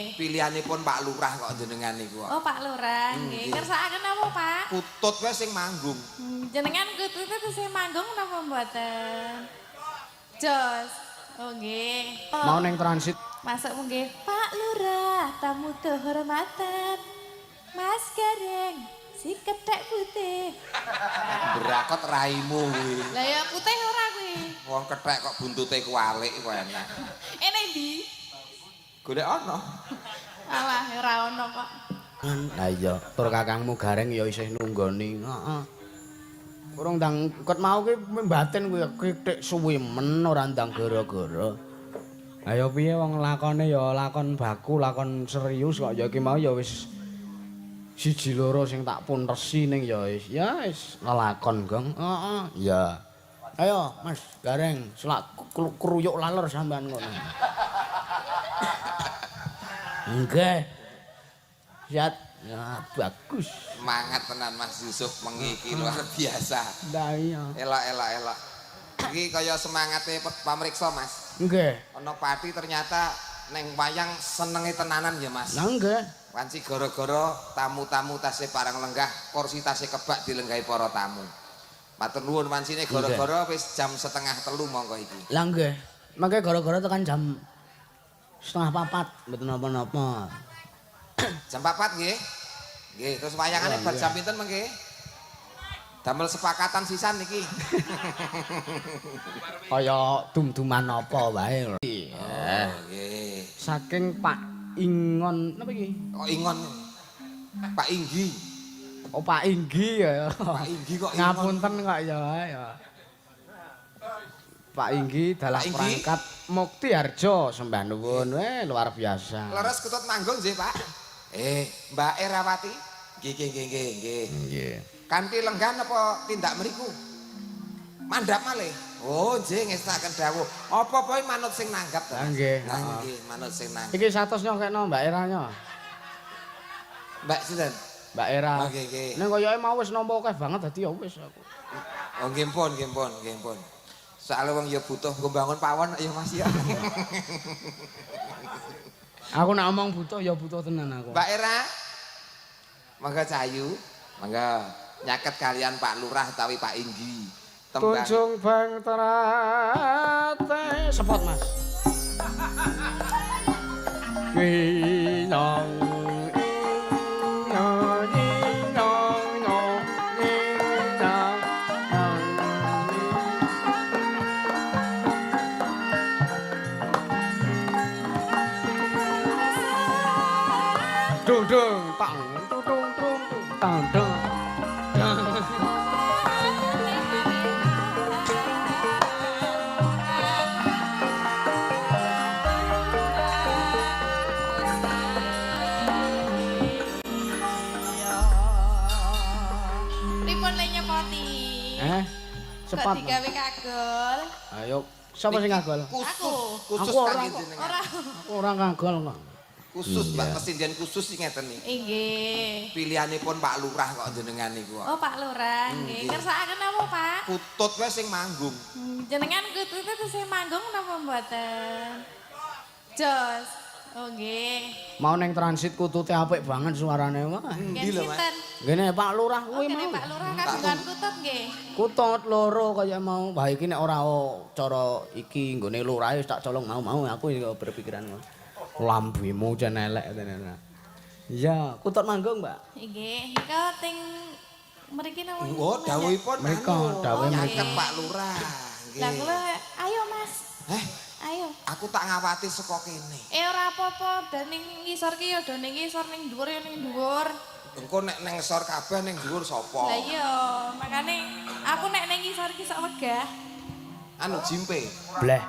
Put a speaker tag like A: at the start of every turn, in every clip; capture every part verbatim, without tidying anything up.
A: Pilihanipun Pak Lurah kok jenengan niku.
B: Oh, Pak Lurah, nggih. Kersakaken apa, Pak?
A: Kutut wae sing manggung.
B: Hmm, jenengan kutut itu sing manggung napa mboten? Jos. Oh, nggih. Oh,
C: Mau neng transit.
B: masuk nggih. Pak Lurah, tamu kehormatan. Mas Gareng, si kethek putih.
A: Berakot raimu kuwi.
B: Lah ya putih ora kuwi.
A: Wong kethek kok buntute kualik kok enak.
B: Enek ndi?
A: Golek ana.
B: Alah, ora ono kok.
C: Lah iya, tur kakangmu Gareng ya isih nunggoni. Heeh. Urung ndang kot mau ki batin kuwi kithik suwi men ora ndang gara-gara. Ayo piye wong lakone ya lakon baku, lakon serius kok ya iki mau ya wis siji loro sing tak pun resi ning ya wis ya wis lelakon, Gong. Heeh, iya. Ayo, Mas Gareng, selak kruyuk laler sampean ngono. Nggih. Siap. Ya, bagus.
A: Semangat tenan Mas Yusuf mengiki luar biasa.
C: Lah iya.
A: Elok elok elok. Iki kaya semangate pamriksa Mas.
C: Nggih.
A: Ana pati ternyata neng wayang senenge tenanan ya Mas.
C: Lah nggih.
A: Wanci gara-gara tamu-tamu tasih parang lenggah, kursi tasih kebak dilenggahi para tamu. Matur nuwun wancine gara-gara wis jam setengah telu monggo iki.
C: Lah nggih. Mangke gara-gara tekan jam setengah papat mboten napa-napa.
A: Jam papat nggih. Nggih, terus wayangane bar jam pinten mengke? Damel sepakatan sisan niki.
C: Kaya dum-duman apa wae.
A: Oh, nggih.
C: Saking Pak Ingon napa iki?
A: Kok ingon. Pak Inggi.
C: Oh Pak Inggi ya.
A: Pak Inggi kok ingon.
C: Ngapunten kok ya ya. Pak Inggi dalah
A: Pak Inggi?
C: perangkat Muktiharjo sembah nuwun weh luar biasa.
A: Leres kutut manggung nggih, Pak. Eh, Mbak Erawati. Nggih, nggih, nggih, nggih, nggih.
C: Nggih.
A: Kanthi lenggan apa tindak mriku? Mandhap malih. Oh, nggih ngestaken dawuh. Apa-apa manut sing nanggap to.
C: Lah nggih.
A: Lah nggih, manut sing nanggap.
C: Iki satus nyokekno Mbak Eranya.
A: Mbak sinten?
C: Mbak Era.
A: Oh, nggih, nggih.
C: Ning koyoke mau wis nampa akeh banget dadi ya wis aku.
A: Oh, nggih pun, nggih pun, nggih pun. Soale wong ya butuh nggo bangun pawon ya Mas ya.
C: Aku nek omong butuh ya butuh tenan aku.
A: Mbak Era. Mangga Cahayu, mangga nyaket kalian Pak Lurah utawi Pak Inggi. Tembang
C: Tunjung bang terate sepot Mas. Kinyong inyong inyong inyong inyong dung dung tang tung tung tung tang dung.
B: Pripun le nyepoti?
C: Eh,
B: Kok
C: cepat.
B: digawe kagol?
C: Ayo, sapa sing ngagol?
A: khusus, khusus
C: Aku ora
A: kangge
C: kok.
A: jenengan.
B: Ora.
C: Aku ora ngagol kok.
A: Khusus Mbak Presiden khusus sing ngeten iki.
B: Nggih.
A: Pilihanipun Pak Lurah kok jenengan niku.
B: Oh, Pak Lurah, nggih. Kersakaken apa, Pak?
A: Kutut wae sing manggung.
B: Hmm, jenengan kutut itu sing manggung napa mboten? Jos. Oh, nggih.
C: Mau neng transit kutute apik banget suarane wah.
B: Nggih
A: lho, Mas?
B: sinten?
C: Ngene Pak Lurah
B: Oh,
C: kuwi
B: kene
C: mau.
B: Pak Lurah kagungan kutut nggih.
C: Kutut loro kaya mau. Wah iki nek ora o- cara iki nggone lurah wis tak colong mau-mau aku iki berpikiran ngono. Lambemu jan elek tenan. Iya, kutut manggung, Mbak.
B: Nggih, nika teng mriki napa?
A: Oh, dawuhipun
C: Mriko,
A: anu,
C: dawuhe
A: nyaket
B: mriko.
A: Pak Lurah.
B: Lah
A: Nggih.
B: kula ayo Mas.
A: Heh,
B: Ayo.
A: aku tak ngawati saka kene.
B: Eh ora apa-apa, dan ning ngisor ki ya do ning ngisor ning dhuwur ya ning dhuwur.
A: Engko nek neng ngesor kabeh ning dhuwur sapa?
B: Lah iya, makane aku nek ning ngisor ki sok wegah.
A: Anu jimpe.
C: Bleh.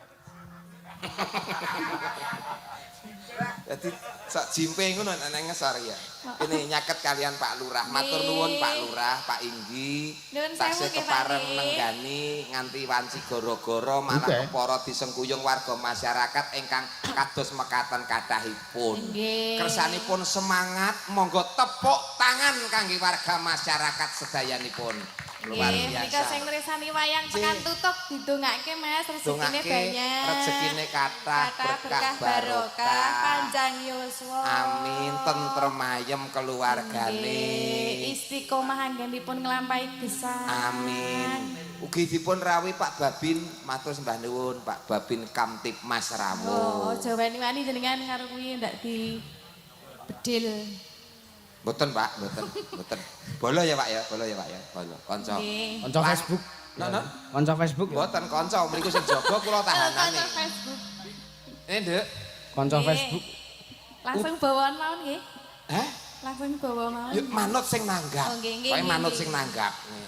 A: Jadi sak jimpe ngono nek neng ngesor ya. Ini nyaket kalian Pak Lurah. Matur nuwun Pak Lurah, Pak Inggi.
B: Nuwun
A: Taksih
B: sewu nggih, Pak
A: kepareng
B: nggih.
A: nenggani nganti wanci gara-gara malah
C: Oke.
A: kepara disengkuyung warga masyarakat ingkang kados mekaten kathahipun.
B: Nggih.
A: Kersanipun semangat, monggo tepuk tangan kangge warga masyarakat sedayanipun. luar
B: Nggih, menika
A: biasa.
B: sing nresani wayang
A: Nggih.
B: tekan tutup didongake Mas, rezekine
A: Dongake
B: banyak.
A: rezekine kathah berkah barokah.
B: panjang yuswa.
A: Amin, tentrem ayem keluargane.
B: Nggih, istiqomah anggenipun nglampahi gesang.
A: Amin. Ugi dipun rawuhi Pak Babin, matur sembah nuwun Pak Babin Kamtipmas
B: Oh,
A: rawuh.
B: aja wani-wani jenengan karo kuwi ndak di bedil.
A: Mboten Pak, mboten, mboten. Bolo ya Pak ya, bolo ya Pak ya, bolo. Kanca.
B: Nggih.
C: Kanca Facebook.
A: Nono.
C: Kanca Facebook ya.
A: Mboten kanca, mriku sing jaga kula tahanane.
B: Kanca Facebook.
A: Eh, Nduk.
C: Kanca
B: Nggih.
C: Facebook.
B: Langsung bawaan mawon nggih.
A: Hah?
B: Langsung bawa mawon.
A: Yuk manut sing nanggap.
B: Oh, nggih, nggih,
A: Pokoke
B: nggih,
A: manut
B: nggih.
A: sing nanggap. Nih.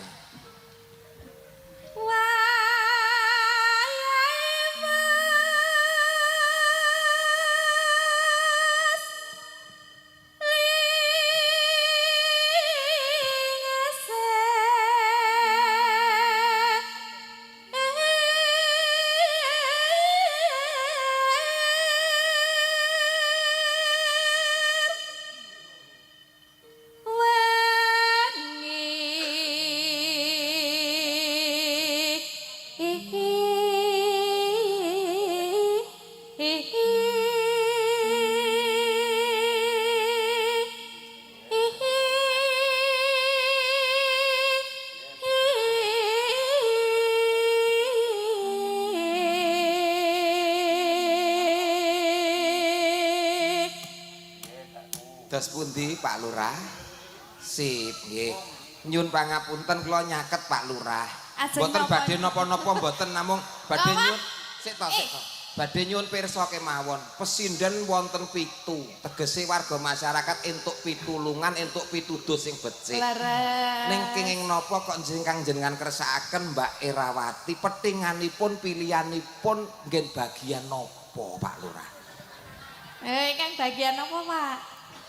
A: Dos pundi Pak Lurah? Sip, nggih. Nyun pangapunten kula nyaket Pak Lurah.
B: Ajeng
A: Mboten
B: napa?
A: badhe napa-napa mboten namung badhe
B: Apa?
A: nyun sik to sik to. Badhe nyun pirsa kemawon. Pesinden wonten pitu. Tegese warga masyarakat entuk pitulungan, entuk pituduh sing becik.
B: Leres.
A: Ning kenging napa kok njengkang jenengan kersakaken Mbak Erawati petinganipun pilihanipun nggen bagian napa Pak Lurah?
B: Eh, Kang bagian apa, Pak?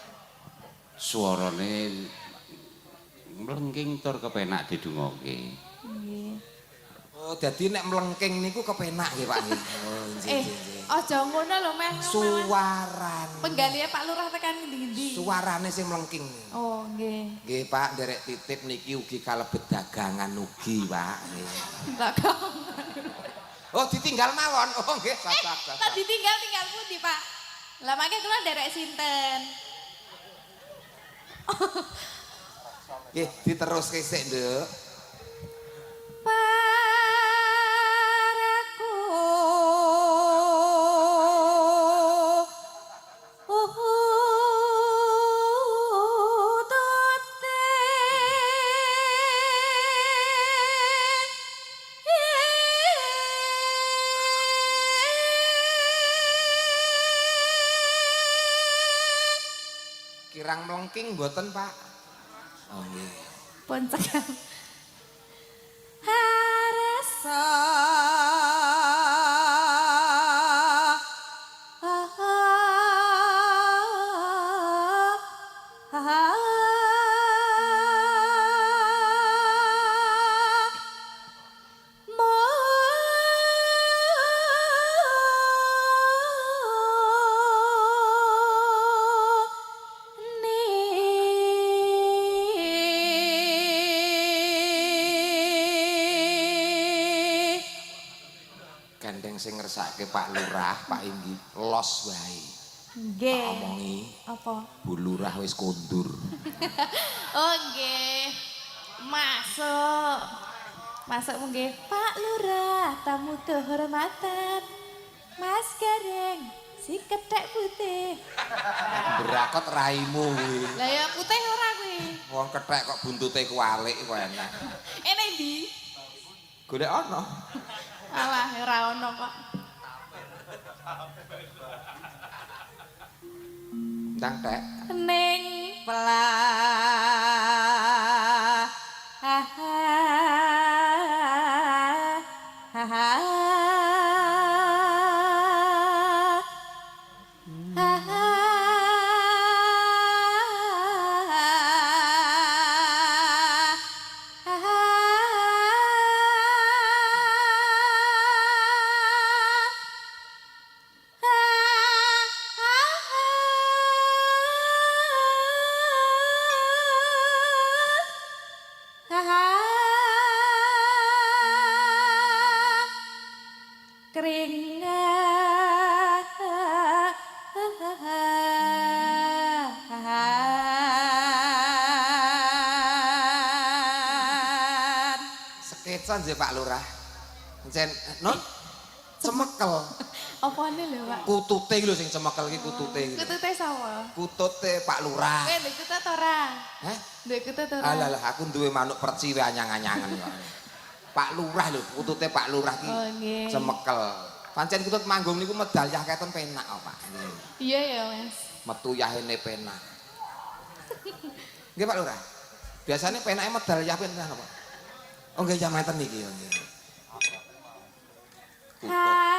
D: Suarane mlengking tur kepenak didungokke.
B: Nggih.
A: Oh, dadi nek mlengking niku kepenak nggih Pak nggih. Oh, nggih
B: Eh,
A: nggih, nggih.
B: aja ngono lho, Mas.
A: Suwarane.
B: Penggalihe Pak Lurah tekan ndi-ndi?
A: Suarane sing mlengking.
B: Oh, nggih.
A: Nggih Pak, nderek titip niki ugi kalebet dagangan ugi Pak. Nggih.
B: Lah kok.
A: Oh, ditinggal mawon. Oh, nggih,
B: Eh,
A: sak sak.
B: kok ditinggal tinggal pundi, Pak? Lah makanya kula nderek sinten?
A: Nggih, diteruske sik, Nduk.
B: Paraku
A: Kirang mlengking mboten, Pak? Oh, nggih.
B: pun cekal. Harasa
A: Gandeng sing ngersake Pak Lurah, Pak Inggi, los wae.
B: nggih.
A: Omongi,
B: Apa?
A: Bu Lurah wis kondur.
B: Oh nggih. Masuk. Masuk nggih. Pak Lurah, tamu kehormatan. Mas Gareng, si kethek putih.
A: Berakot raimu kuwi.
B: Lah ya putih ora kuwi.
A: Wong kethek kok buntute kualik kok enak.
B: Ene ndi?
A: Golek ana.
B: Alah ora ono kok.
A: Ndang tek.
B: Ning pelah. Ha ha. Ha ha. Ha ha.
A: sanje Pak Lurah. Encen non cemekel.
B: Apane lho, Pak?
A: Kutute iki lho sing cemekel iki kutute iki.
B: Kutute sapa?
A: Kutute Pak Lurah.
B: Eh, ndek kutut ora?
A: Heh?
B: Ndek kutut ora?
A: Alah lah aku duwe manuk perciwe anyang-anyangan kok. Pak Lurah lho, kutute Pak Lurah iki.
B: Oh, nggih.
A: Cemekel. Pancen kutut manggung niku medal keton penak kok, Pak.
B: Iya ya, Mas.
A: Metu yahene penak. Nggih Pak Lurah. Biasanya penake medal yah penak apa? Oh nggih jam ngeten iki. Kutut.
B: Hai.